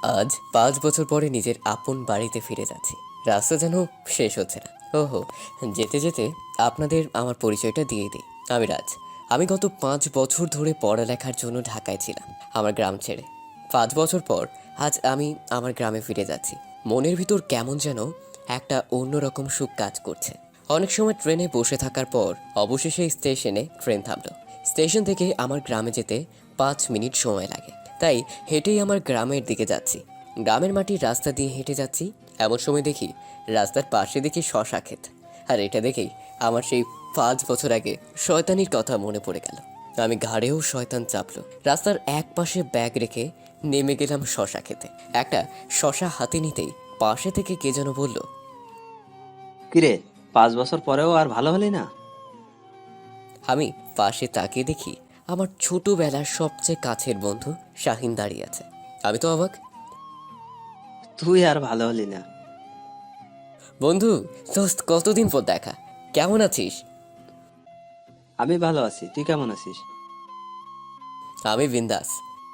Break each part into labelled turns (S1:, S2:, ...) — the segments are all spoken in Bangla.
S1: আজ ৫ বছর পরে নিজের আপন বাড়িতে ফিরে যাচ্ছি। রাস্তা যেন শেষ হচ্ছে না। ওহো, যেতে যেতে আপনাদের আমার পরিচয়টা দিয়ে দিই। আমি রাজ। আমি গত ৫ বছর ধরে পড়ালেখার জন্য ঢাকায় ছিলাম, আমার গ্রাম ছেড়ে। ৫ বছর পর আজ আমি আমার গ্রামে ফিরে যাচ্ছি। মনের ভিতর কেমন যেন একটা অন্যরকম সুখ কাজ করছে। অনেক সময় ট্রেনে বসে থাকার পর অবশেষে স্টেশনে ট্রেন থামলো। স্টেশন থেকে আমার গ্রামে যেতে ৫ মিনিট সময় লাগে, তাই হেঁটেই আমার গ্রামের দিকে যাচ্ছি। গ্রামের মাটির রাস্তা দিয়ে হেঁটে যাচ্ছি, এমন সময় দেখি রাস্তার পাশে দেখি শশা ক্ষেত। আর এটা দেখেই আমার সেই ৫ বছর আগে শয়তানির কথা মনে পড়ে গেল। আমি ঘাড়েও শয়তান চাপলো। রাস্তার এক পাশে ব্যাগ রেখে নেমে গেলাম শশা খেতে। একটা শশা হাতে নিতেই পাশে থেকে কে যেন বলল,
S2: কিরে, 5 বছর পরেও আর ভালো হলি না?
S1: আমি পাশে তাকিয়ে দেখি আমার ছোটবেলার সবচেয়ে কাছের বন্ধু শাহিন দাঁড়িয়ে আছে। আমি তো অবাক।
S2: তুই আর ভালো হলি না।
S1: বন্ধু, দোস্ত, কতদিন পর দেখা, কেমন আছিস?
S2: আমি ভালো আছি, তুই কেমন আছিস?
S1: আমি বিন্দাস।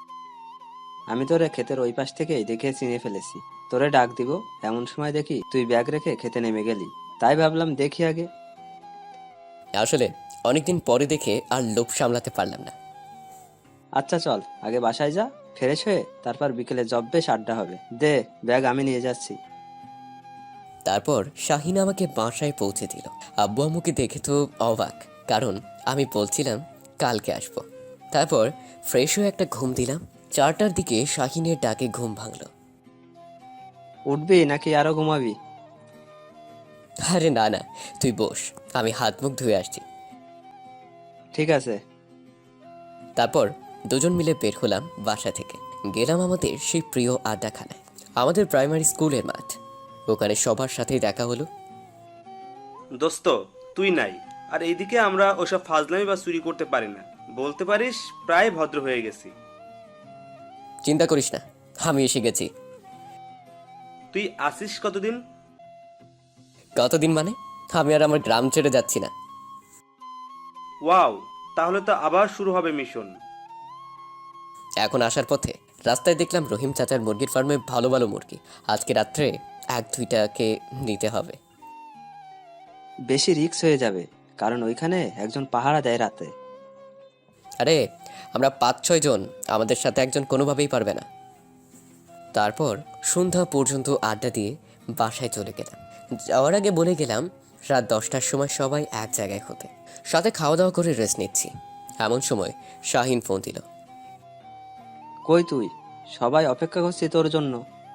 S2: আমি তোরে ক্ষেতের ওই পাশ থেকেই দেখে চিনে ফেলেছি। তোরে ডাক দিব, এমন সময় দেখি তুই ব্যাগ রেখে খেতে নেমে গেলি। তাই ভাবলাম দেখি আগে।
S1: আসলে অনেকদিন পরে দেখে আর লোভ সামলাতে পারলাম না।
S2: আচ্ছা চল, আগে বাসায় যা, ফ্রেশ হয়ে তারপর বিকেলে বেশ আড্ডা হবে। দে, ব্যাগ আমি নিয়ে যাচ্ছি।
S1: তারপর শাহিন আমাকে বাসায় পৌঁছে দিল। আব্বু আম্মুকে দেখে তো অবাক, কারণ আমি বলছিলাম কালকে আসবো। তারপর ফ্রেশ হয়ে একটা ঘুম দিলাম। ৪টার দিকে শাহিনের ডাকে ঘুম ভাঙল।
S2: উঠবি নাকি আরো ঘুমাবি?
S1: আরে না না, তুই বস, আমি হাত মুখ ধুয়ে আসছি।
S2: ঠিক আছে।
S1: তারপর দুজন মিলে বের হলাম বাসা থেকে। গেলাম আমাদের সেই প্রিয় আড্ডাখানায়, আমাদের প্রাইমারি স্কুলের মাঠ। ওখানে সবার সাথেই দেখা হলো।
S3: দোস্ত, তুই নাই, আর এইদিকে আমরা ওসব ফাজলামি বা চুরি করতে পারি না। বলতে পারিস প্রায় ভদ্র হয়ে গেছি।
S1: চিন্তা করিস না, আমি এসে গেছি।
S3: তুই আসিস কতদিন?
S1: কতদিন মানে? আমি আর আমার গ্রাম ছেড়ে যাচ্ছি না।
S3: ওয়াও, তাহলে তো আবার শুরু হবে মিশন।
S1: এখন আসার পথে রাস্তায় দেখলাম রহিম চাচার মুরগির ফার্মে ভালো ভালো মুরগি। আজকে রাত্রে ১-২টাকে নিতে হবে।
S2: বেশি রিস্ক হয়ে যাবে, কারণ ওইখানে একজন পাহারা দেয় রাতে।
S1: আরে, আমরা ৫-৬ জন, আমাদের সাথে একজন কোনোভাবেই পারবে না। তারপর সন্ধ্যা পর্যন্ত আড্ডা দিয়ে বাসায় চলে গেলাম। যাওয়ার আগে বলে গেলাম রাত ১০টার সময় সবাই এক জায়গায় হতে। সাথে খাওয়া দাওয়া করে রেস্ট নিচ্ছি, এমন সময় শাহিন ফোন দিল।
S2: কই তুই? সবাই অপেক্ষা করছি তোর জন্য।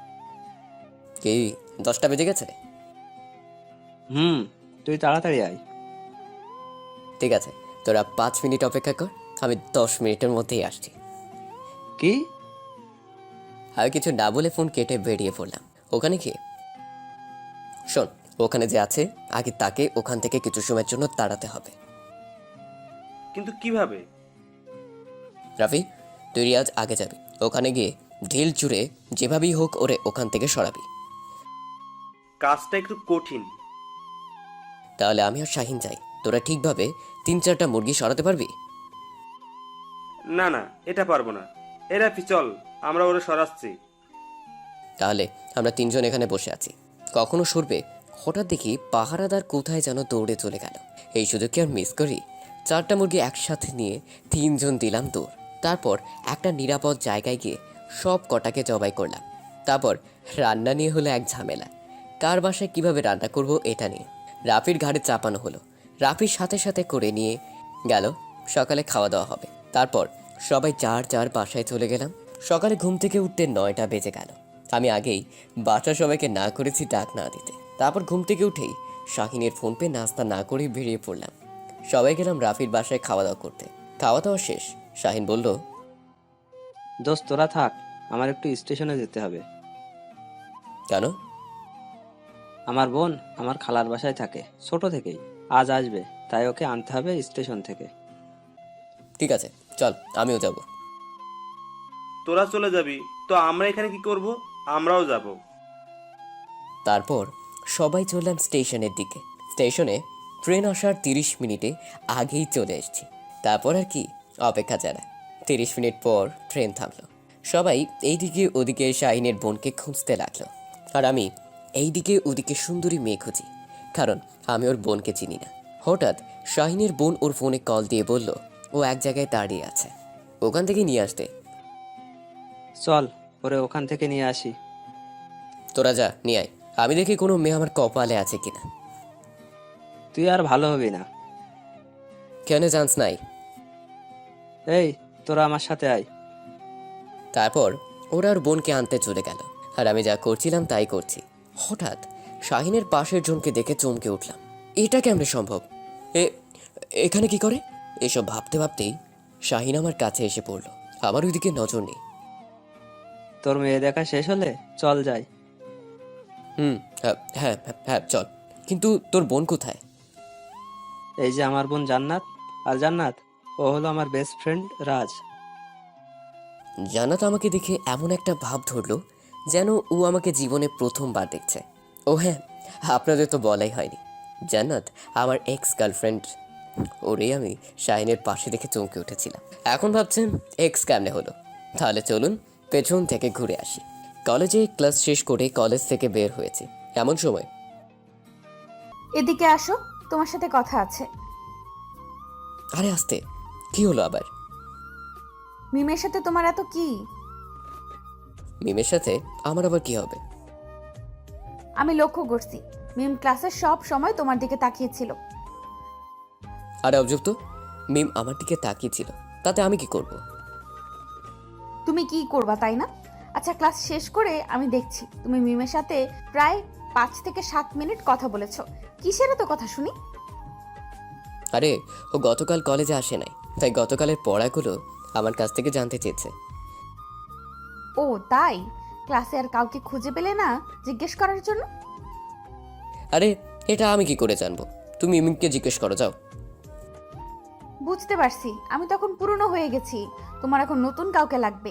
S1: কি, ১০টা বেজে গেছে?
S2: হুম, তুই তাড়াতাড়ি আয়।
S1: ঠিক আছে, তোরা ৫ মিনিট অপেক্ষা কর, আমি ১০ মিনিটের মধ্যেই আসছি।
S2: কি?
S1: আমি কিছু না বলে ফোন কেটে বেরিয়ে পড়লাম। ওখানে গিয়ে শোন, ওখানে যে আছে আগে তাকে ওখান থেকে কিছু সময়ের জন্য তাড়াতে হবে।
S3: কিন্তু কিভাবে?
S1: রাফি, তুই রিয়াজ আগে যাবি। ওখানে গিয়ে ঢিল চুড়ে যেভাবেই হোক ওরে ওখান থেকে সরাবি।
S3: কাজটা একটু কঠিন।
S1: তাহলে আমি আর শাহিন যাই, তোরা ঠিকভাবে ৩-৪টা মুরগি সরাতে পারবি?
S3: না না, এটা পারবো না। এরা চল, আমরা ওরা সরাচ্ছি।
S1: তাহলে আমরা ৩জন এখানে বসে আছি, কখনো সরবে। হঠাৎ দেখি পাহারাদার কোথায় যেন দৌড়ে চলে গেল। এই সুযোগ কি আর মিস করি? ৪টা মুরগি একসাথে নিয়ে ৩জন দিলাম দৌড়। তারপর একটা নিরাপদ জায়গায় গিয়ে সব কটাকে জবাই করলাম। তারপর রান্না নিয়ে হলো এক ঝামেলা। কার বাসায় কিভাবে রান্না করব এটা নিয়ে রাফির ঘাড়ে চাপানো হলো। রাফির সাথে সাথে করে নিয়ে গেল সকালে খাওয়া দাওয়া হবে। তারপর সবাই যার যার বাসায় চলে গেলাম। সকালে ঘুম থেকে উঠতে ৯টা বেজে গেল। আমি আগেই বাসার সবাইকে না করেছি ডাক না দিতে। তারপর ঘুম থেকে উঠেই শাহিনের ফোন পেয়ে নাস্তা না করেই বেরিয়ে পড়লাম। সবাই গেলাম রাফির বাসায় খাওয়া দাওয়া করতে। খাওয়া দাওয়া শেষ, শাহিন বলল,
S2: দোস্ত তোরা থাক, আমার একটু স্টেশনে যেতে হবে।
S1: কেন?
S2: আমার বোন আমার খালার বাসায় থাকে ছোট থেকেই। আজ আসবে, তাই ওকে আনতে হবে স্টেশন থেকে।
S1: ঠিক আছে, চল, আমিও যাব।
S3: তোরা চলে যাবি তো আমরা এখানে কি করব? আমরাও যাব।
S1: তারপর সবাই চললাম স্টেশনের দিকে। স্টেশনে ট্রেন আসার ৩০ মিনিটে আগেই চলে এসেছি। তারপর আর কি, অপেক্ষা ছাড়া। ৩০ মিনিট পর ট্রেন থামলো। সবাই এইদিকে ওদিকে শাহিনের বোনকে খুঁজতে লাগলো, আর আমি এইদিকে ওদিকে সুন্দরী মেয়ে খুঁজি, কারণ আমি ওর বোনকে চিনি না। হঠাৎ শাহিনের বোন ওর ফোনে কল দিয়ে বলল ও এক জায়গায় দাঁড়িয়ে আছে, ওখান থেকে নিয়ে আসতে।
S2: চল ওরে ওখান থেকে নিয়ে আসি।
S1: তোরা যা নিয়ে আয়, আমি দেখি কোনো মেয়ে আমার কপালে আছে কিনা।
S2: তুই আর ভালো হবি না।
S1: কেন চান্স নাই?
S2: এই, তোরা আমার সাথে আয়।
S1: তারপর ওরা ওর বোনকে আনতে চলে গেল, আর আমি যা করছিলাম তাই করছি। হঠাৎ শাহিনের পাশের জনকে দেখে চমকে উঠলাম। এটা কেমনে সম্ভব? এ এখানে কি করে? এসব ভাবতে ভাবতেই শাহিন আমার কাছে এসে পড়ল। আমার ওইদিকে নজর নেই।
S2: তোর মেয়ে দেখা শেষ হলে চল যাই।
S1: হ্যাঁ হ্যাঁ হ্যাঁ হ্যাঁ, চল। কিন্তু তোর বোন কোথায়?
S2: এই যে আমার বোন জান্নাত। আর জান্নাত, ও হলো আমার বেস্ট ফ্রেন্ড রাজ।
S1: জান্নাত আমাকে দেখে এমন একটা ভাব ধরলো যেন ও আমাকে জীবনে প্রথমবার দেখছে। ও হ্যাঁ, আপনাদের তো বলাই হয়নি, জান্নাত আমার এক্স গার্লফ্রেন্ড। ওরে আমি শাহিনের পাশে দেখে চমকে উঠেছিলাম। এখন ভাবছেন এক্স কেমনে হলো? তাহলে চলুন পেছন থেকে ঘুরে আসি। কলেজে ক্লাস শেষ করে কলেজ থেকে বের হয়েছি এমন সময়।
S4: এদিকে আসো, তোমার সাথে কথা আছে।
S1: আরে আসতে, কি হলো আবার?
S4: মিমের সাথে তোমার এত কি?
S1: মিমের সাথে আমার আবার কি হবে?
S4: আমি লক্ষ্য করছি মিম ক্লাসের সব সময় তোমার দিকে তাকিয়েছিল।
S1: আরে অবজব তো, মিম আমার দিকে তাকিয়েছিল, তাতে আমি কি করব?
S4: তুমি কি করবা তাই না? আচ্ছা, ক্লাস শেষ করে আমি দেখছি তুমি মিমের সাথে প্রায় 5 থেকে 7 মিনিট কথা বলেছো। কিসের এত কথা শুনি?
S1: আরে ও গতকাল কলেজে আসে নাই, তাই গতকালের পড়াগুলো আমার কাছ থেকে জানতে চেয়েছে।
S4: ও তাই? ক্লাসে আর কাউকে খুঁজে পেলে না জিজ্ঞেস করার জন্য?
S1: আরে এটা আমি কি করে জানবো? তুমি মিমকে জিজ্ঞেস করো, যাও।
S4: বুঝতে পারছি, আমি তখন পুরনো হয়ে গেছি, তোমার এখন নতুন কাউকে লাগবে।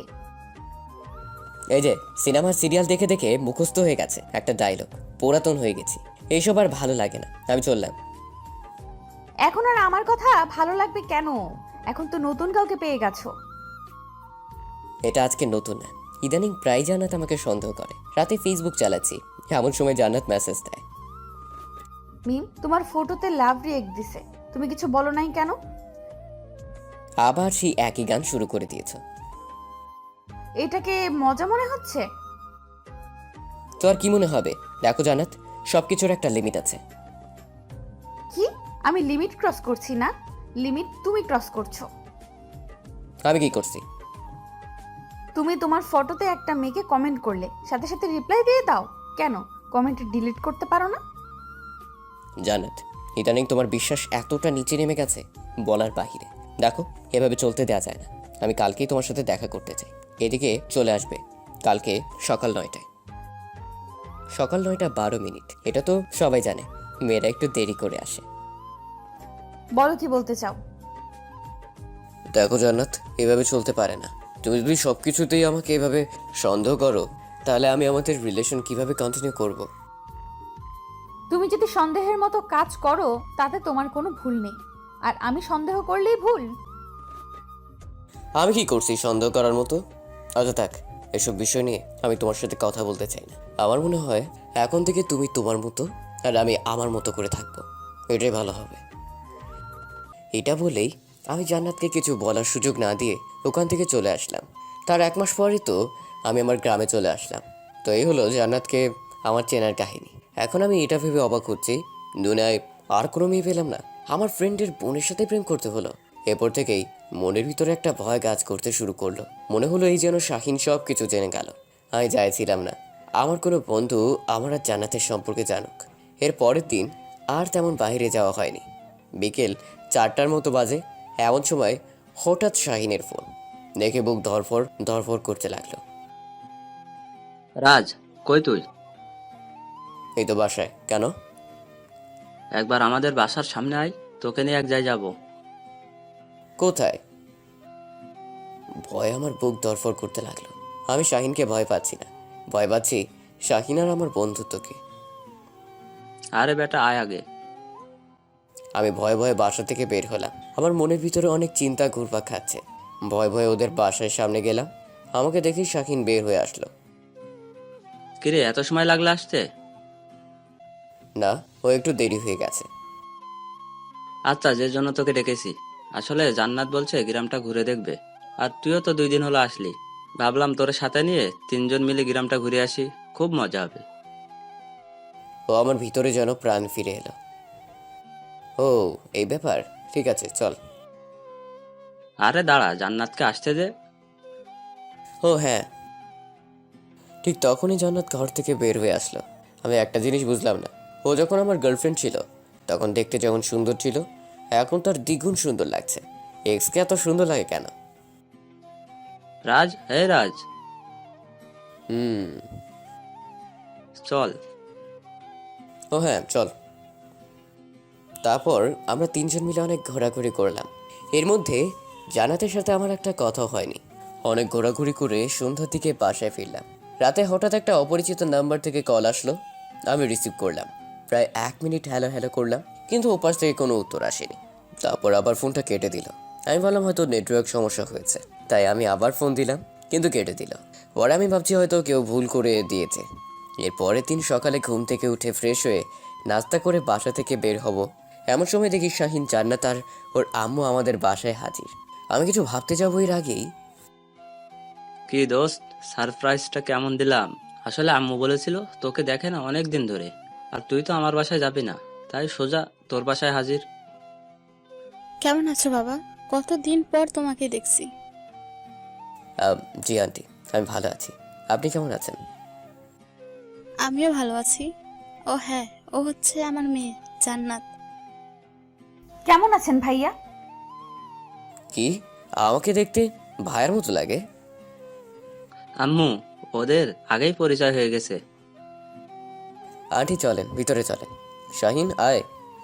S1: এই যে সিনেমার সিরিয়াল দেখে দেখে মুখস্থ হয়ে গেছে একটা ডায়লগ, পুরাতন হয়ে গেছি, এইসব আর ভালো লাগে না, আমি চললাম।
S4: এখন আর আমার কথা ভালো লাগবে কেন? এখন তো নতুন কাউকে পেয়ে গেছো।
S1: এটা আজকে নতুন না, ইদানিং প্রায় জান্নাত আমাকে সন্দেহ করে। রাতে ফেসবুক চালাচ্ছি, এমন সময় জান্নাত মেসেজ দেয়।
S4: মিম তোমার ফটোতে লাভ রিয়েক্ট দিছে, তুমি কিছু বলো নাই কেন?
S1: আবার সেই একই গান শুরু করে দিয়েছ।
S4: এটাকে মজা মনে হচ্ছে?
S1: তো আর কি মনে হবে? দেখো জান্নাত, সবকিছুর একটা লিমিট আছে।
S4: কি? আমি লিমিট ক্রস করছি না, লিমিট তুমি ক্রস করছো।
S1: আমি কি করছি?
S4: তুমি তোমার ফটোতে একটা মেয়েকে কমেন্ট করলে, সাথে সাথে রিপ্লাই দিয়ে দাও। কেন কমেন্ট ডিলিট করতে পারো না?
S1: জান্নাত, ইদানিং তোমার বিশ্বাস এতটা নিচে নেমে গেছে বলার বাহিরে। দেখো, এভাবে চলতে দেওয়া যায় না। আমি কালকেই তোমার সাথে দেখা করতে চাই, এদিকে চলে আসবে কালকে সকাল 9টায়। সকাল 9টা 12 মিনিট, এটা তো সবাই জানে, মেয়েরা একটু দেরি করে আসে।
S4: বলো কি বলতে চাও?
S1: দেখো জান্নাত, এভাবে চলতে পারে না। তুমি যদি সব কিছুতেই আমাকে এভাবে সন্দেহ করো, তাহলে আমি আমাদের রিলেশন কিভাবে কন্টিনিউ করব?
S4: তুমি যদি সন্দেহের মতো কাজ করো তাতে তোমার কোনো ভুল নেই, আর আমি সন্দেহ করলেই ভুল।
S1: আমি কি করছি সন্দেহ করার মতো? আচ্ছা থাক, এসব বিষয় নিয়ে আমি তোমার সাথে কথা বলতে চাই না। আমার মনে হয় এখন থেকে তুমি তোমার মতো আর আমি আমার মতো করে থাকবো, এটাই ভালো হবে। এটা বলেই আমি জান্নাতকে কিছু বলার সুযোগ না দিয়ে ওখান থেকে চলে আসলাম। তার 1 মাস পরই তো আমি আমার গ্রামে চলে আসলাম। তো এই হলো জান্নাতকে আমার চেনার কাহিনী। এখন আমি এটা ভেবে অবাক হচ্ছি, দুনিয়ায় আর কোনো মেয়ে পেলাম না, আমার ফ্রেন্ডের বোনের সাথে প্রেম করতে হলো। এরপর থেকেই মনের ভিতরে একটা ভয় কাজ করতে শুরু করলো। মনে হলো এই যেন শাহিন সব কিছু জেনে গেল। আমি চাইছিলাম না আমার কোনো বন্ধু আমার আর জান্নাতের সম্পর্কে জানুক। এর পরের দিন আর তেমন বাইরে যাওয়া হয়নি। বিকেল 4টার মতো বাজে, এমন সময় হঠাৎ শাহিনের ফোন দেখে বুক ধরফর ধরফর করতে লাগলো।
S2: রাজ, কই তুই?
S1: এই তো বাসায়। কেন?
S2: একবার আমাদের বাসার সামনে আয়, তোকে নিয়ে এক জায়গায় যাবো।
S1: কোথায়? ভয়ে আমার বুক ধরফর করতে লাগলো। আমি শাহিনকে ভয় পাচ্ছি না, ভয় পাচ্ছি শাহিন আর আমার বন্ধুত্বকে।
S2: আরে বেটা, আয় আগে।
S1: আমি ভয়ে ভয়ে বাসা থেকে বের হলাম। আমার মনের ভিতরে অনেক চিন্তা ঘুরপাক খাচ্ছে। ভয়ে ভয়ে ওদের বাসার সামনে গেলাম। আমাকে দেখি শাকিন বের হয়ে আসলো।
S2: কিরে, এত সময় লাগলো আসতে?
S1: না, ও একটু দেরি হয়ে গেছে।
S2: আচ্ছা, যে জন্য তোকে ডেকেছি, আসলে জান্নাত বলছে গ্রামটা ঘুরে দেখবে। আর তুইও তো 2 দিন হলো আসলি, ভাবলাম তোর সাথে নিয়ে 3জন মিলে গ্রামটা ঘুরে আসি, খুব মজা হবে।
S1: ও আমার ভিতরে যেন প্রাণ ফিরে এলো। ও, এই ব্যাপার, ঠিক আছে চল।
S2: আরে দাঁড়া, জান্নাতকে আসতে দে।
S1: ও হ্যাঁ, ঠিক তখনই জান্নাত ঘর থেকে বের হয়ে আসলো। আমি একটা জিনিস বুঝলাম না, ও যখন আমার গার্লফ্রেন্ড ছিল তখন দেখতে যেমন সুন্দর ছিল, এখন তার দ্বিগুণ সুন্দর লাগছে। এক্সকে এত সুন্দর লাগে কেন?
S2: রাজ, হে রাজ,
S1: হুম।
S2: চল।
S1: ও হ্যাঁ চল। তারপর আমরা 3জন মিলে অনেক ঘোরাঘুরি করলাম। এর মধ্যে জান্নাতের সাথে আমার একটা কথা হয়নি। অনেক ঘোরাঘুরি করে সন্ধ্যার দিকে বাসায় ফিরলাম। রাতে হঠাৎ একটা অপরিচিত নাম্বার থেকে কল আসলো। আমি রিসিভ করলাম। প্রায় 1 মিনিট হ্যালো হ্যালো করলাম, কিন্তু ওপাশ থেকে কোনো উত্তর আসেনি। তারপর আবার ফোনটা কেটে দিল। আমি ভাবলাম হয়তো নেটওয়ার্ক সমস্যা হয়েছে, তাই আমি আবার ফোন দিলাম, কিন্তু কেটে দিল। পরে আমি ভাবছি হয়তো কেউ ভুল করে দিয়েছে। এর পরের দিন সকালে ঘুম থেকে উঠে ফ্রেশ হয়ে নাস্তা করে বাসা থেকে বের হব, এমন সময় দেখি শাহিন, জান্নাত আর ওর আম্মু আমাদের বাসায় হাজির। আমি কিছু ভাবতে যাবো এর আগেই
S2: কি দোস্ত, সারপ্রাইজটা কেমন দিলাম? আসলে আম্মু বলেছিল তোকে দেখে না অনেক দিন ধরে, আর তুই তো আমার বাসায় যাবি না, তাই সোজা তোর বাসায় হাজির।
S5: কেমন আছো বাবা? কতদিন পর তোমাকে দেখছি।
S1: জি আন্টি, আমি ভালো আছি। আপনি কেমন আছেন?
S5: আমিও ভালো আছি। ও হ্যাঁ, ও হচ্ছে আমার মেয়ে জান্নাত।
S4: কেমন আছেন ভাইয়া?
S1: কি, আমাকে দেখতে ভাইয়ের মতো লাগে?
S2: আম্মু, ওদের আগেই পরিচয় হয়ে গেছে।
S1: আন্টি চলেন, ভিতরে চলেন। শাহিন আয়।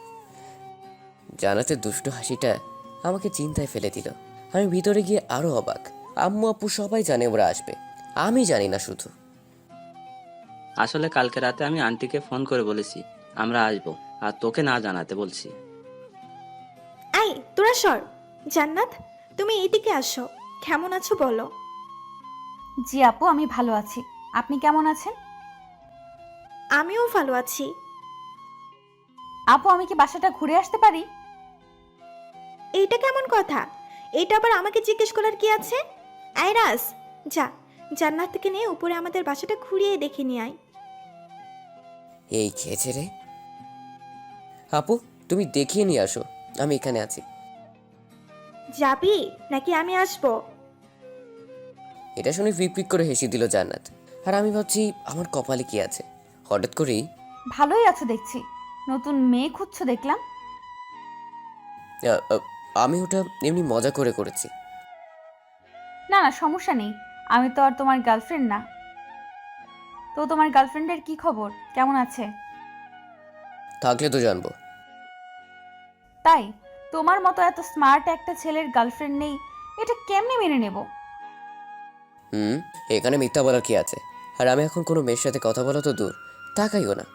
S1: জান্নাতের দুষ্টু হাসিটা আমাকে চিন্তায় ফেলে দিল। আমি ভিতরে গিয়ে আরো অবাক। আম্মু আপু সবাই জানে ওরা আসবে, আমি জানি না শুধু।
S2: আসলে কালকে রাতে আমি আন্টিকে ফোন করে বলেছি আমরা আসবো, আর তোকে না জানাতে বলছি।
S6: আই তোরা সর। জান্নাত, তুমি এইদিকে আসো। কেমন আছো বলো?
S4: জি আপু, আমি ভালো আছি। আপনি কেমন আছেন?
S6: আমিও ভালো আছি।
S4: আপু, আমি কি বাসাটা ঘুরে আসতে পারি?
S6: এইটা কেমন কথা? এইটা আবার আমাকে জিজ্ঞেস করার কি আছে? আইরাস, যা, জান্নাতকে নিয়ে উপরে আমাদের বাসাটা ঘুরিয়ে দেখে নিয়ে আয়।
S1: এই খেয়েছে রে। আপু, তুমি দেখিয়ে নিয়ে আসো, আমি এখানে আছি।
S6: যাবি নাকি আমি আসবো?
S1: এটা শুনে ফিক করে হেসে দিল জান্নাত। আর আমি ভাবছি আমার কপালে কি আছে। হঠাৎ করেই
S4: ভালোই আছো দেখছি। নতুন মেয়ে খুঁজছো দেখলাম।
S1: আহ, আহ, আমি ওটা এমনি মজা করে করেছি।
S4: না না, সমস্যা নেই। আমি তো আর তোমার গার্লফ্রেন্ড না। তো তোমার গার্লফ্রেন্ডের কি খবর, কেমন আছে?
S1: থাকলে তো জানবো।
S4: তাই? তোমার মতো এত স্মার্ট একটা ছেলের গার্লফ্রেন্ড নেই, এটা কেমনে মেনে নেব?
S1: হুম, এখানে মিথ্যা বলার কি আছে? আর আমি এখন কোনো মেয়ের সাথে কথা বলা তো দূর, তাকাইও না।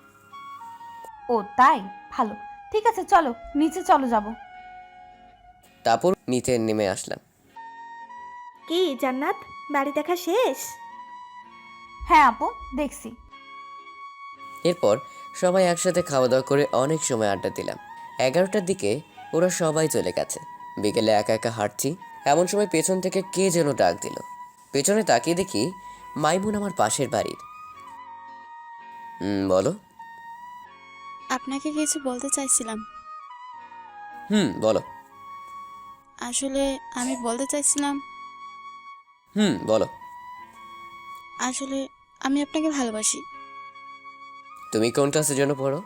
S4: ও তাই? ভালো, ঠিক আছে, চলো নিচে চলো যাব।
S1: তারপর নিচে নেমে আসলাম।
S6: কি জান্নাত, বাড়ি দেখা শেষ?
S4: হ্যাঁ আপু, দেখছি।
S1: এরপর সবাই একসাথে খাওয়া দাওয়া করে অনেক সময় আড্ডা দিলাম। 11টার দিকে ওরা সবাই চলে গেছে। বিকেলে একা একা হাঁটছি, এমন সময় পেছন থেকে কে যেন ডাক দিল। পেছনে তাকিয়ে দেখি মাইমুন আমার পাশের বাড়ির। বলো।
S5: আপনাকে কিছু বলতে চাইছিলাম।
S1: বলো।
S5: আসলে আমি বলতে চাইছিলাম,
S1: বলো।
S5: আসলে আমি আপনাকে ভালোবাসি।
S1: তুমি কোন ক্লাসের জন্য পড়ো?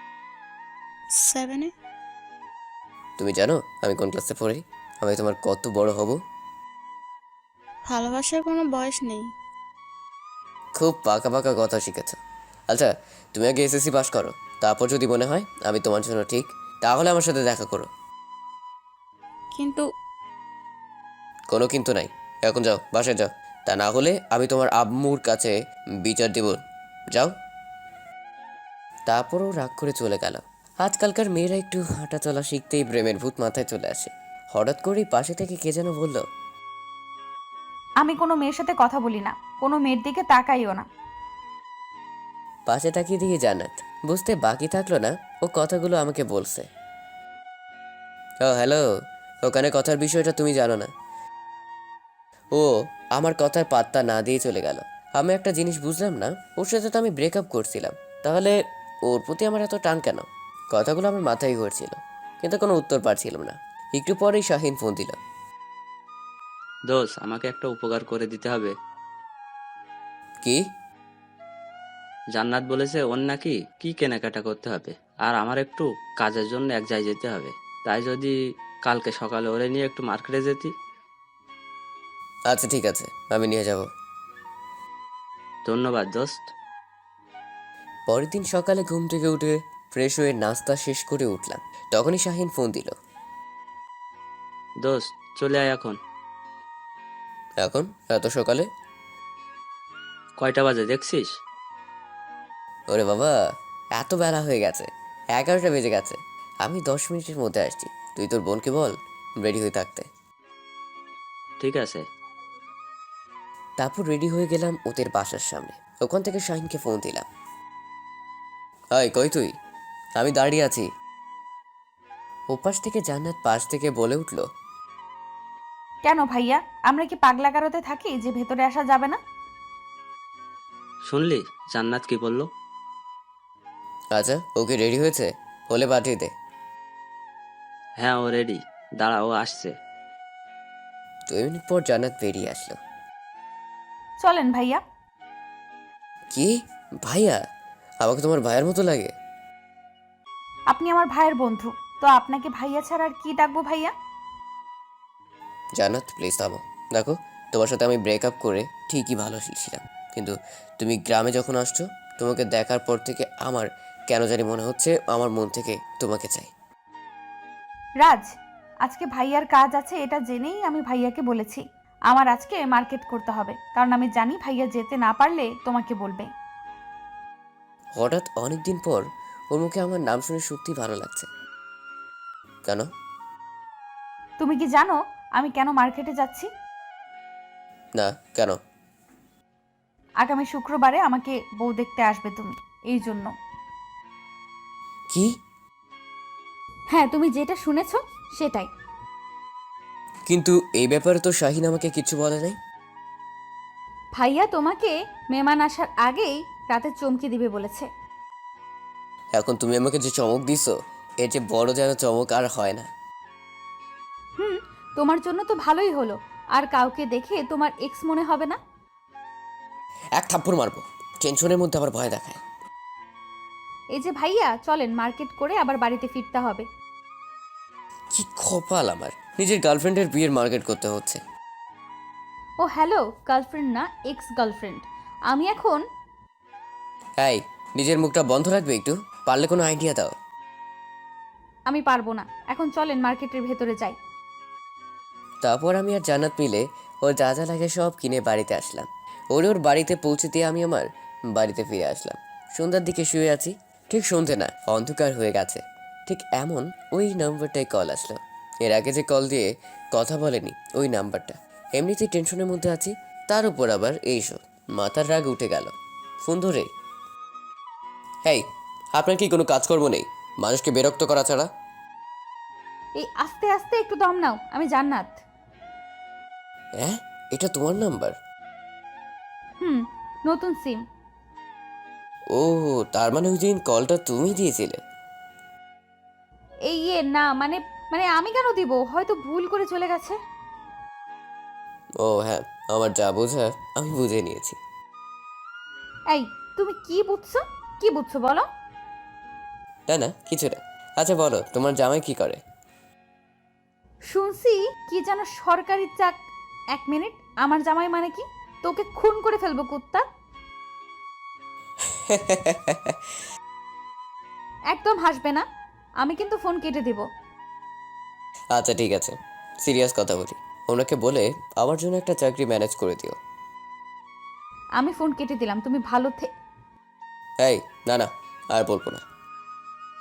S5: 7-এ।
S1: তুমি জানো আমি কোন ক্লাসে পড়ি? আমি তোমার কত বড় হব?
S5: ভালোবাসার কোনো বয়স নেই।
S1: খুব পাকা পাকা কথা শিখেছ। আচ্ছা, তুমি আগে এসএসসি পাস করো, তারপর যদি মনে হয় আমি তোমার জন্য ঠিক, তাহলে আমার সাথে দেখা করো।
S5: কিন্তু
S1: কোনো কিন্তু নাই, এখন যাও, বাসায় যাও। তা না হলে আমি তোমার আম্মুর কাছে বিচার দেব। যাও। তারপরও রাগ করে চলে গেল। আজকালকার মেয়েরা একটু হাঁটা চলা শিখতেই প্রেমের ভূত মাথায় চলে আসে। হঠাৎ করেই পাশে থেকে কে যেন বলল,
S4: আমি কোনো মেয়ের সাথে কথা বলি না, কোনো মেয়ের দিকে তাকাইও না।
S1: পাশে তাকিয়ে দিয়ে জান্নাত বুঝতে বাকি থাকলো না ও কথাগুলো আমাকে বলছে। ও হ্যালো, ওখানে কথার বিষয়টা তুমি জানো না। ও আমার কথার পাত্তা না দিয়ে চলে গেল। আমি একটা জিনিস বুঝলাম না, ওর সাথে তো আমি ব্রেকআপ করছিলাম, তাহলে ওর প্রতি আমার এত টান কেন? কথাগুলো আমার মাথায় ঘুরছিল, কিন্তু কোনো উত্তর পাচ্ছিলাম না। একটু পরেই শাহিন ফোন দিল।
S2: দোষ, আমাকে একটা উপকার করে দিতে হবে।
S1: কি?
S2: জান্নাত বলেছে ওর নাকি কি কেনাকাটা করতে হবে, আর আমার একটু কাজের জন্য এক জায়গায় যেতে হবে। তাই যদি কালকে সকালে ওরে নিয়ে একটু মার্কেটে যেতি।
S1: আচ্ছা ঠিক আছে, আমি নিয়ে যাব।
S2: ধন্যবাদ দোস্ত।
S1: পরের দিন সকালে ঘুম থেকে উঠে ফ্রেশ হয়ে নাস্তা শেষ করে উঠলাম, তখনই শাহিন ফোন দিল।
S2: দোস্ত চলে আয় এখন।
S1: এখন এত সকালে?
S2: কয়টা বাজে দেখছিস?
S1: ওরে বাবা, এত বেলা হয়ে গেছে, 11টা বেজে গেছে। আমি 10 মিনিটের মধ্যে আসছি, তুই তোর বোনকে বল রেডি হয়ে থাকতে।
S2: ঠিক আছে।
S1: তারপর রেডি হয়ে গেলাম ওদের বাসার সামনে। ওখান থেকে শাহিনকে ফোন দিলাম। হাই, কই তুই? আমি দাঁড়িয়ে আছি। ওপাশ থেকে জান্নাত পাশ থেকে বলে উঠল।
S4: কেন ভাইয়া, আমরা কি পাগলা গারোতে থাকি যে ভেতরে আসা যাবে না?
S2: শুনলি জান্নাত কি বললো?
S1: আচ্ছা, ওকে রেডি হয়েছে? হলে পাঠিয়ে দে।
S2: হ্যাঁ ও রেডি, দাঁড়া ও আসছে।
S1: 2 মিনিট পর জান্নাত বেরিয়ে আসলো।
S4: চলেন ভাইয়া।
S1: কি? ভাইয়া? আমাকে তোমার ভাইয়ের মতো লাগে।
S4: আপনি আমার ভাইয়ের বন্ধু, তো আপনাকে ভাইয়া ছাড়া আর কি ডাকবো ভাইয়া?
S1: জান্নাত প্লিজ থামো। দেখো, তোমার সাথে আমি ব্রেকআপ করে ঠিকই ভালো ছিলাম, কিন্তু তুমি গ্রামে যখন আসছো, তোমাকে দেখার পর থেকে আমার কেন জানি মনে হচ্ছে আমার মন থেকে তোমাকে চাই।
S4: রাজ, আজকে ভাইয়ার কাজ আছে এটা জেনেই আমি ভাইয়াকে বলেছি আমার আজকে মার্কেট করতে হবে, কারণ আমি জানি ভাইয়া যেতে না পারলে তোমাকে বলবে।
S1: হঠাৎ অনেক দিন পর ওর মুখে আমার নাম শুনে সত্যি ভালো লাগছে। কেন?
S4: তুমি কি জানো আমি কেন মার্কেটে যাচ্ছি?
S1: না, কেন?
S4: আগামী শুক্রবারে আমাকে বউ দেখতে আসবে তুমি, এই জন্য।
S1: কি?
S4: হ্যাঁ, তুমি যেটা শুনেছো সেটাই।
S1: কিন্তু এই ব্যাপারে তো শাহিন আমাকে কিছু বলে নাই।
S4: ভাইয়া তোমাকে মেহমান আসার আগেই রাতে চমকে দিবে বলেছে।
S1: এখন তুমি আমাকে যে চমক দিছো, এর যে বড় যেন চমক আর হয় না।
S4: হুম, তোমার জন্য তো ভালোই হলো, আর কাউকে দেখে তোমার এক্স মনে হবে না।
S1: এক থাপ্পড় মারবো, টেনশনের মধ্যে আবার ভয় দেখায়।
S4: এই যে ভাইয়া, চলেন মার্কেট করে আবার বাড়িতে ফিরতে হবে।
S1: কি কপাল আমার, নিজের গার্লফ্রেন্ডের বিয়ের মার্কেট করতে হচ্ছে।
S4: ও হ্যালো, গার্লফ্রেন্ড না এক্স গার্লফ্রেন্ড। আমি এখন
S1: এই, নিজের মুখটা বন্ধ রাখবে একটু, পারলে কোনো আইডিয়া দাও।
S4: আমি পারবো না, এখন চলেন মার্কেটের ভেতরে যাই।
S1: তারপর আমি আর জান্নাত মিলে ওর যা যা লাগে সব কিনে বাড়িতে আসলাম। ওর বাড়িতে পৌঁছে দিয়ে আমি আমার বাড়িতে ফিরে আসলাম। সন্ধ্যার দিকে শুয়ে আছি, ঠিক সন্ধে না, অন্ধকার হয়ে গেছে। ঠিক এমন ওই নাম্বারটায় কল আসলো। এর আগে যে কল দিয়ে কথা বলেনি ওই নাম্বারটা। এমনিতেই টেনশনের মধ্যে আছি, তার উপর আবার এইসব, মাথার রাগ উঠে গেল। ফোন ধরে, হেই, আপনার কি কোনো কাজকর্ম নেই মানুষকে বিরক্ত করা ছাড়া?
S4: এই আস্তে আস্তে একটু দম নাও, আমি জান্নাত।
S1: হ্যাঁ, এটা তোমার নাম্বার?
S4: হুম, নতুন সিম।
S1: ও, তার মানে ওই দিন কলটা তুমি দিয়েছিলে?
S4: এই ইয়ে না, মানে মানে আমি কেন দিব, হয়তো ভুল করে চলে গেছে।
S1: ও হ্যাঁ, আমার যা বোঝার আমি বুঝে নিয়েছি।
S4: এই, তুমি কি বুঝছো, কি বুঝছো বলো?
S1: না না, কিছু না। আচ্ছা বলো, তোমার জামাই কি করে?
S4: শুনছি কি যেন সরকারি চাক। 1 মিনিট, আমার জামাই মানে কি? তোকে খুন করে ফেলবো কুত্তা। একদম হাসবে না, আমি কিন্তু ফোন কেটে দিব।
S1: আচ্ছা ঠিক আছে, সিরিয়াস কথা বলি। ওনাকে বলে আমার জন্য একটা চাকরি ম্যানেজ করে দিও।
S4: আমি ফোন কেটে দিলাম, তুমি ভালো
S1: এই, না না, আর বলবো না।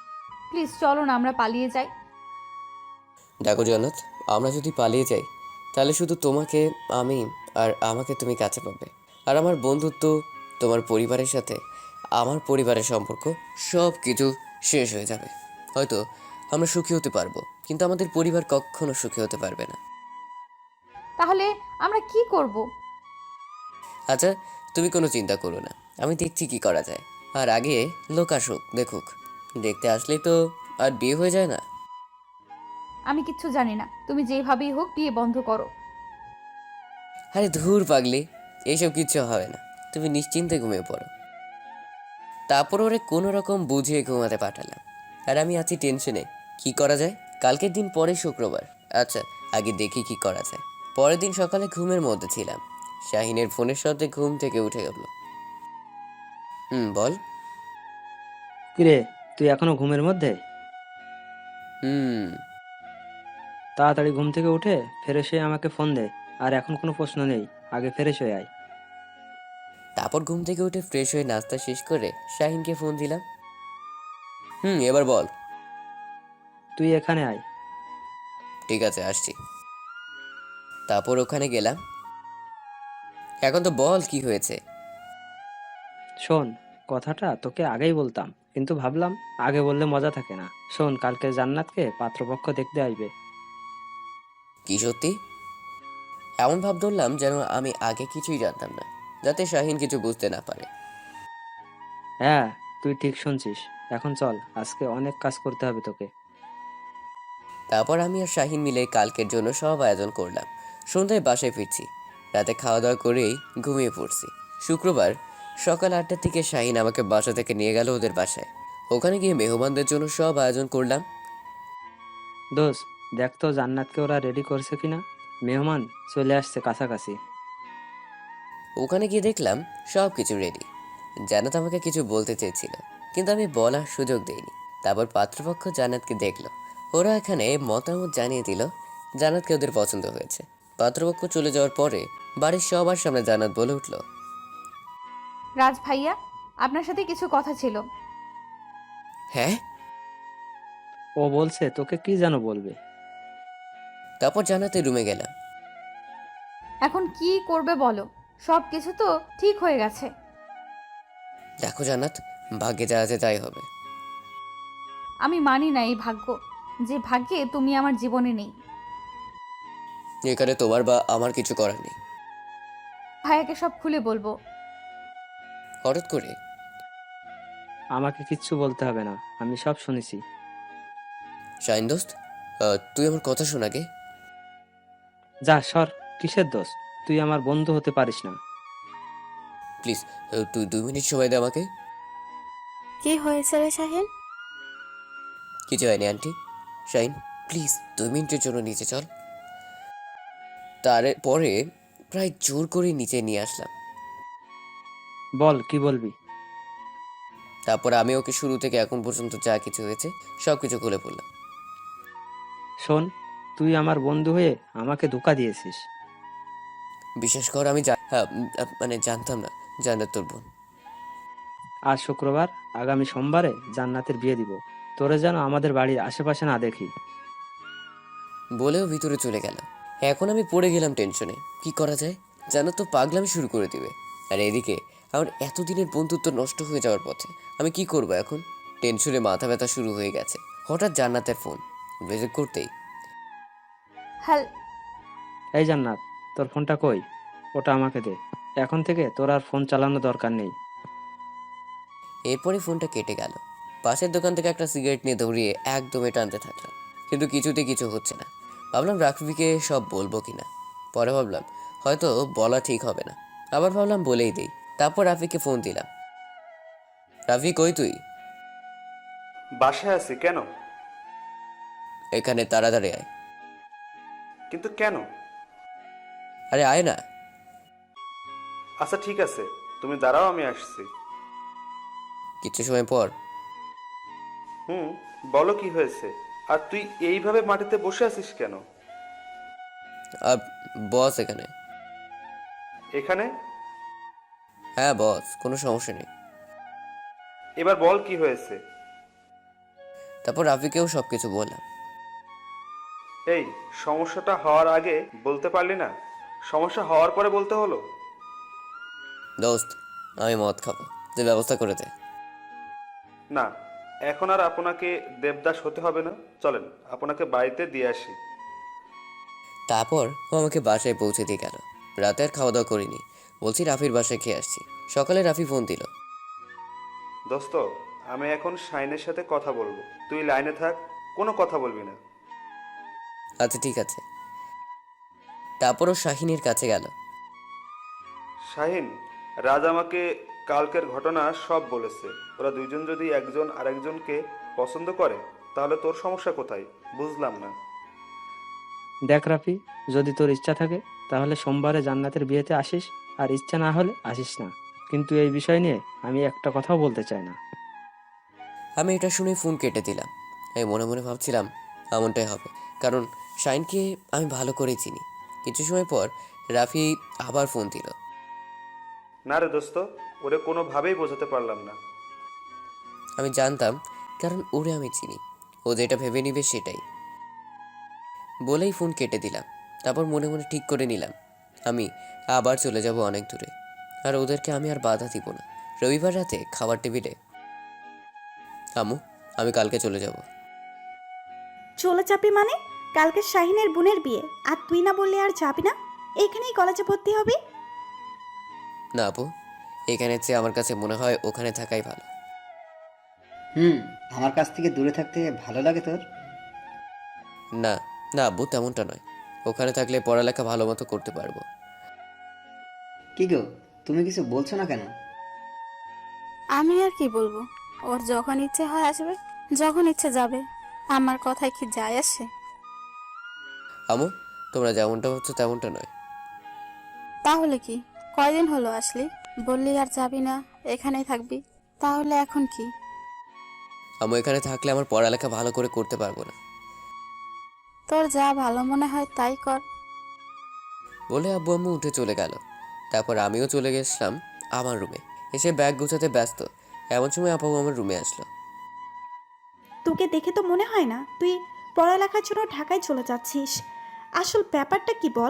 S4: প্লিজ চলো না আমরা পালিয়ে যাই।
S1: দেখো জান্নাত, আমরা যদি পালিয়ে যাই তাহলে শুধু তোমাকে আমি আর আমাকে তুমি কাছে পাবে। আর আমার বন্ধুত্ব, তোমার পরিবারের সাথে আমার পরিবারের সম্পর্ক সব কিছু শেষ হয়ে যাবে। হয়তো আমরা সুখী হতে পারবো, কিন্তু আমাদের পরিবার কখনো সুখী হতে পারবে না।
S4: তাহলে আমরা কি করব?
S1: আচ্ছা, তুমি কোনো চিন্তা করো না, আমি দেখছি কি করা যায়। আর আগে লোক আসুক, দেখুক। দেখতে আসলেই তো আর বিয়ে হয়ে যায় না।
S4: আমি কিচ্ছু জানি না, তুমি যেভাবেই হোক বিয়ে বন্ধ করো।
S1: আরে ধুর পাগলি, এইসব কিচ্ছু হবে না, তুমি নিশ্চিন্তে ঘুমিয়ে পড়ো। তারপর ওরে কোনো রকম বুঝিয়ে ঘুমাতে পাঠালাম। আর আমি আছি টেনশনে, কি করা যায়। কালকের দিন পরে শুক্রবার। আচ্ছা, আগে দেখি কি করা যায়। পরের দিন সকালে ঘুমের মধ্যে ছিলাম, শাহিনের ফোনের সাথে ঘুম থেকে উঠে গেল। বল।
S2: কিরে, তুই এখনো ঘুমের মধ্যে?
S1: হুম।
S2: তাড়াতাড়ি ঘুম থেকে উঠে ফ্রেশ হয়ে আমাকে ফোন দে। আর এখন কোনো প্রশ্ন নেই, আগে ফ্রেশ হয়ে আয়।
S1: তারপর ঘুম থেকে উঠে ফ্রেশ হয়ে নাস্তা শেষ করে শাহিনকে ফোন দিলাম। এবার বল।
S2: তুই এখানে আয়।
S1: ঠিক আছে, আসছি। তারপর ওখানে গেলাম। এখন তো বল কি হয়েছে।
S2: শোন, কথাটা তোকে আগেই বলতাম, কিন্তু ভাবলাম আগে বললে মজা থাকে না। শোন, কালকে জান্নাতকে পাত্রপক্ষ দেখতে আসবে।
S1: কি সত্যি? এমন ভাব ধরলাম যেন আমি আগে কিছুই জানতাম না, যাতে শাহিন কিছু বুঝতে না পারে।
S2: হ্যাঁ, তুই ঠিক শুনছিস। এখন চল, আজকে অনেক কাজ করতে হবে তোকে।
S1: তারপর আমি আর শাহিন মিলে কালকের জন্য সব আয়োজন করলাম। সন্ধ্যায় বাসায় ফিরছি। রাতে খাওয়া দাওয়া করেই ঘুমিয়ে পড়ছি। শুক্রবার সকাল 8টার দিকে শাহিন আমাকে বাসা থেকে নিয়ে গেল ওদের বাসায়। ওখানে গিয়ে মেহমানদের জন্য সব আয়োজন করলাম।
S2: দোস্ত, দেখ তো জান্নাতকে ওরা রেডি করছে কিনা। মেহমান চলে আসছে কাছাকাছি।
S1: ওখানে গিয়ে দেখলাম সব কিছু রেডি। জান্নাত আমাকে কিছু বলতে চেয়েছিল, কিন্তু আমি বলার সুযোগ দেইনি। তারপর পাত্রপক্ষ জান্নাতকে দেখলো। ওরা এখানে মতামত জানিয়ে দিল জান্নাতকে ওদের পছন্দ হয়েছে। পাত্রপক্ষ চলে যাওয়ার পরে বাড়ির সবার সামনে জান্নাত বলে উঠল,
S4: রাজ ভাইয়া, আপনার সাথে কিছু কথা ছিল।
S1: হ্যাঁ?
S2: ও বলছে তোকে কি যেন বলবে।
S1: তারপর জান্নাতের রুমে গেলাম।
S4: এখন কি করবে বলো? সব কিছু তো ঠিক হয়ে গেছে।
S1: দেখো জান্নাত, ভাগ্যে যা আছে তাই হবে।
S4: আমি মানি না এই ভাগ্য, যে ভাগ্যে তুমি আমার জীবনে নেই।
S1: এখানে তোমার বা আমার কিছু করার নেই।
S4: ভাইয়াকে সব খুলে বলবো।
S1: হঠাৎ করে
S2: আমাকে কিচ্ছু বলতে হবে না, আমি সব শুনেছি।
S1: শাহিন দোস্ত, তুই আমার কথা শোন আগে।
S2: যা সর, কিসের দোষ? তুই আমার বন্ধু হতে পারিস না।
S1: প্লিজ, তুই 2 মিনিট সময় দে আমাকে।
S5: কি হয়েছে রে শাহিন?
S1: কিছু হয়নি আন্টি। শাহিন, প্লিজ 2 মিনিটের জন্য নিচে চল। তারপরে প্রায় জোর করে নিচে নিয়ে আসলাম।
S2: বল, কি বলবি?
S1: তারপর আমি ওকে শুরু থেকে এখন পর্যন্ত যা কিছু হয়েছে সব কিছু খুলে পড়লাম।
S2: শোন, তুই আমার বন্ধু হয়ে আমাকে ধোঁকা দিয়েছিস।
S1: বিশেষ কর আমি মানে জানতাম না জান্নাত তোর বোন।
S2: আজ শুক্রবার, আগামী সোমবারে জান্নাতের বিয়ে দিব। তোরে যেন আমাদের বাড়ির আশেপাশে না দেখি।
S1: বলেও ভিতরে চলে গেল। এখন আমি পড়ে গেলাম টেনশনে, কি করা যায়। জান্নাত তো পাগলামি শুরু করে দিবে। আর এদিকে আমার এতদিনের বন্ধুত্ব নষ্ট হয়ে যাওয়ার পথে। আমি কি করব এখন? টেনশনে মাথা ব্যথা শুরু হয়ে গেছে। হঠাৎ জান্নাতের ফোন রিসিভ করতেই,
S4: হ্যাল
S2: এই জান্নাত, তোর ফোনটা কই? ওটা আমাকে দে। এখন থেকে তোর আর ফোন চালানো দরকার নেই।
S1: এরপরে ফোনটা কেটে গেল। পাশের দোকান থেকে একটা সিগারেট নিয়ে দৌড়িয়ে একদমে টানতে থাকলাম, কিন্তু কিছুতে কিছু হচ্ছে না। ভাবলাম রাফিকে সব বলবো কিনা। পরে ভাবলাম হয়তো বলা ঠিক হবে না। আবার ভাবলাম বলেই দেই। তারপর রাফিকে ফোন দিলাম। রাফি, কই তুই?
S3: বাসায় আছি। কেন?
S1: এখানে তাড়াতাড়ি আয়।
S3: কিন্তু কেন?
S1: আরে আয় না।
S3: আচ্ছা ঠিক আছে, তুমি দাঁড়াও, আমি আসছি।
S1: কিছু সময় পর,
S3: বলো কি হয়েছে? আর তুই এইভাবে মাটিতে বসে আছিস কেন?
S1: আহ, বস এখানে।
S3: এখানে?
S1: হ্যাঁ বস, কোনো সমস্যা নেই।
S3: এবার বল কি হয়েছে?
S1: তারপর রাফিকেও সব কিছু বললাম।
S3: এই সমস্যাটা হওয়ার আগে বলতে পারলি না, সমস্যা হওয়ার পরে বলতে হলো?
S1: দোস্ত, আমি মদ খাবো, তুই ব্যবস্থা করে দে।
S3: না, এখন আর আপনাকে দেবদাস হতে হবে না, চলেন আপনাকে বাড়িতে দিয়ে আসি।
S1: তারপর ও আমাকে বাসায় পৌঁছে দিয়ে গেল। রাতে আর খাওয়া দাওয়া করিনি, বলছি রাফির বাসায় খেয়ে আসছি। সকালে রাফি ফোন দিল।
S3: দোস্ত, আমি এখন শাইনের সাথে কথা বলবো, তুই লাইনে থাক, কোনো কথা বলবি না।
S1: আচ্ছা ঠিক আছে। তারপর ও শাহিনের কাছে গেল।
S3: শাহিন, রাজ আমাকে কালকের ঘটনা সব বলেছে। ওরা দুইজন যদি একজন আরেকজনকে পছন্দ করে তাহলে তোর সমস্যা কোথায় বুঝলাম না।
S7: দেখ রাফি, যদি তোর ইচ্ছা থাকে তাহলে সোমবারে জান্নাতের বিয়েতে আসিস, আর ইচ্ছা না হলে আসিস না। কিন্তু এই বিষয় নিয়ে আমি একটা কথাও বলতে চাই না।
S1: আমি এটা শুনে ফোন কেটে দিলাম। আমি মনে মনে ভাবছিলাম এমনটাই হবে, কারণ শাইনকে আমি ভালো করেই চিনি। কিছু সময় পর রাফি আবার ফোন দিল।
S3: না রে দোস্ত, ওরে কোনোভাবেই বোঝাতে পারলাম না।
S1: আমি জানতাম, কারণ ওরে আমি চিনি, ও যেটা ভেবে নিবে সেটাই। বলেই ফোন কেটে দিলাম। তারপর মনে মনে ঠিক করে নিলাম আমি আবার চলে যাব অনেক দূরে, আর ওদেরকে আমি আর বাধা দিব না। রবিবার রাতে খাবার টেবিলে, আম্মু, আমি কালকে চলে যাব।
S6: চলে যাবি মানে? কালকে শাহিনের বোনের বিয়ে, আর তুই না বললে আর যাবি না? এখানেই কলেজে ভর্তি হবি?
S1: না আপু, এখানের চেয়ে আমার কাছে মনে হয় ওখানে থাকাই ভালো।
S8: আমার কাছ থেকে দূরে থাকতে ভালো লাগে তোর?
S1: না না আব্বু, তেমনটা নয়। ওখানে থাকলে পড়ালেখা ভালো মতো করতে পারবো।
S8: কি গো, তুমি কিছু বলছো না কেন?
S5: আমি আর কি বলবো? ওর যখন ইচ্ছে হয় আসবে, যখন ইচ্ছে যাবে। আমার কথায় কি যায় আসে?
S1: আম্মু, তোমরা যেমনটা ভাবছো তেমনটা নয়।
S5: তাহলে কি? কয়দিন হলো আসলি? বললি আর যাবি না, এখানেই থাকবি। তাহলে এখন কি?
S1: আম্মু, এখানে থাকলে আমার পড়ালেখা ভালো করে করতে পারবো না।
S5: তোর যা ভালো মনে হয় তাই কর।
S1: বলে আব্বু আম্মু উঠে চলে গেল। তারপর আমিও চলে গেছিলাম আমার রুমে। এসে ব্যাগ গোছাতে ব্যস্ত এমন সময় আপু আমার রুমে আসলো।
S6: তোকে দেখে তো মনে হয় না তুই পড়ালেখার জন্য ঢাকায় চলে যাচ্ছিস। আসল ব্যাপারটা কি বল?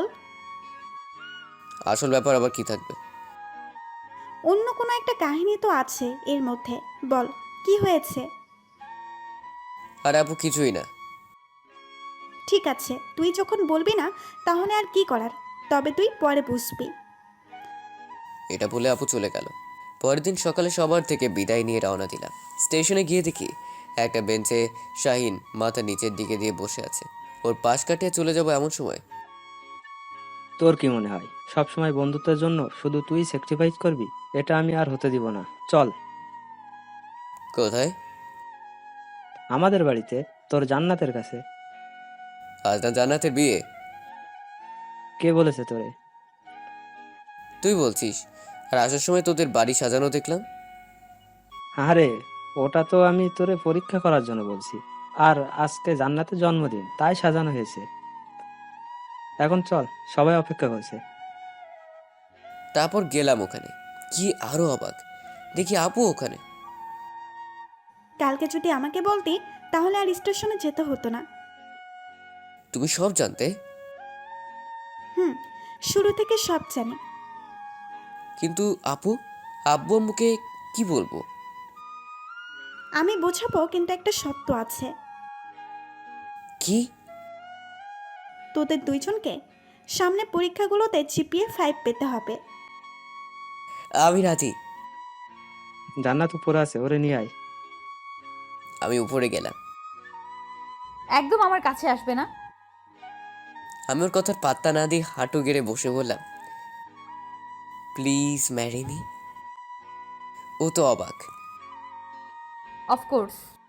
S1: আসল ব্যাপার আবার কি থাকবে?
S6: অন্য কোনো একটা কাহিনী তো আছে এর মধ্যে, বল কি হয়েছে?
S1: আর আপু কিছুই না।
S6: ঠিক আছে, তুই যখন বলবি না তাহলে আর কি করার, তবে তুই পরে বুঝবি।
S1: এটা বলে আপু চলে গেল। পরের দিন সকালে সবার থেকে বিদায় নিয়ে রওনা দিলাম। স্টেশনে গিয়ে দেখি একটা বেঞ্চে শাহিন মাথা নিচের দিকে দিয়ে বসে আছে। ওর পাশ কাটিয়ে চলে যাব এমন সময়
S7: তোর কি মনে হয় সব সময় বন্ধুত্বের জন্য শুধু তুই স্যাক্রিফাইস করবি? এটা আমি আর হতে দিব না। চল
S1: কোথায়?
S7: আমাদের বাড়িতে, তোর জান্নাতের কাছে।
S1: আজ না জান্নাতের বিয়ে?
S7: কে বলেছে তোরে?
S1: তুই বলছিস। আর আসার সময় তোদের বাড়ি সাজানো দেখলাম।
S7: আরে, ওটা তো আমি তোরে পরীক্ষা করার জন্য বলছি। আর আজকে জান্নাতের জন্মদিন, তাই সাজানো হয়েছে। এখন চল, সবাই অপেক্ষা করছে।
S1: তারপর গেলাম ওখানে। কি আরো অবাক, দেখি আপু ওখানে।
S6: কালকে যদি আমাকে বলতি তাহলে আর স্টেশনে যেতে হতো না।
S1: তুমি সব জানতে?
S6: হুম, শুরু থেকে সব জানি।
S1: কিন্তু আপু, আব্বু আম্মুকে কি বলবো?
S6: আমি বোঝাবো, কিন্তু একটা শর্ত আছে।
S1: কি?
S6: তোদের দুইজনকে সামনে পরীক্ষাগুলোতে জিপিএ 5 পেতে হবে।
S1: আমি রাজি।
S7: জান্নাত উপরে আছে, ওরে নিয়ে আয়।
S1: আমি উপরে গেলাম।
S4: একদম আমার কাছে আসবে না।
S1: আমি ওর কথার পাত্তা না দিয়ে হাঁটু গেড়ে বসে বললাম, প্লিজ ম্যারি মি। ও তো অবাক।
S4: অফকোর্স।